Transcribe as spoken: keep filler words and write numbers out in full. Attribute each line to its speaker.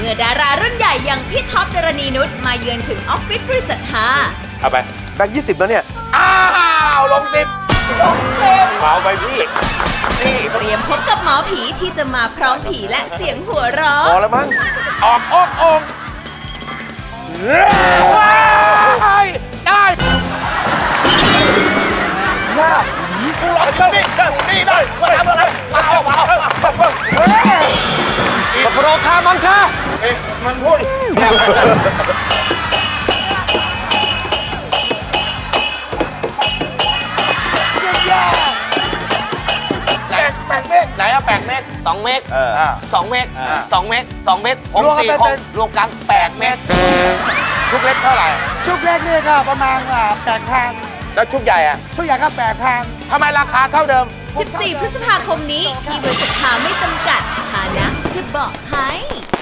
Speaker 1: มื่อดารารุ่นใหญ่อย่างพี่ท็อปดารณีนุชมาเยือนถึงออฟฟิศบริษัทฮา
Speaker 2: เอาไปแบงค์ยี่สิบแล้วเนี่ย
Speaker 3: อ้าวลงสิบลงสิบเอาไปพี่นี่
Speaker 1: เตรียมพบกับหมอผีที่จะมาพร้อมผีและเสียงหัวเราะ
Speaker 2: พอแล้วมั้ง
Speaker 3: ออกอกองได้ได้ว้าวกูรอเจ้านี่นี่ได้มาทำอะไรมาเอามาเอา
Speaker 2: มาโปรคามังค่า
Speaker 3: เอ๊ะมันพูดแปดเมตรไหนอะแปดเมตรสองเมตรสองเมตรสองเมตรสองเมตรผมสี่คนรวมกันแปดเมตรชุกเล็กเท่าไหร่
Speaker 4: ชุกเล็กนี่ก็ประมาณแปดพัน
Speaker 3: แล้วชุกใหญ่อะ
Speaker 4: ชุกใหญ่ก็แปดพัน
Speaker 3: ทำไมราคาเท่าเดิม
Speaker 1: สิบสี่พฤษภาคมนี้ที่บริษัทฮาไม่จำกัดฮานะจะบอกให้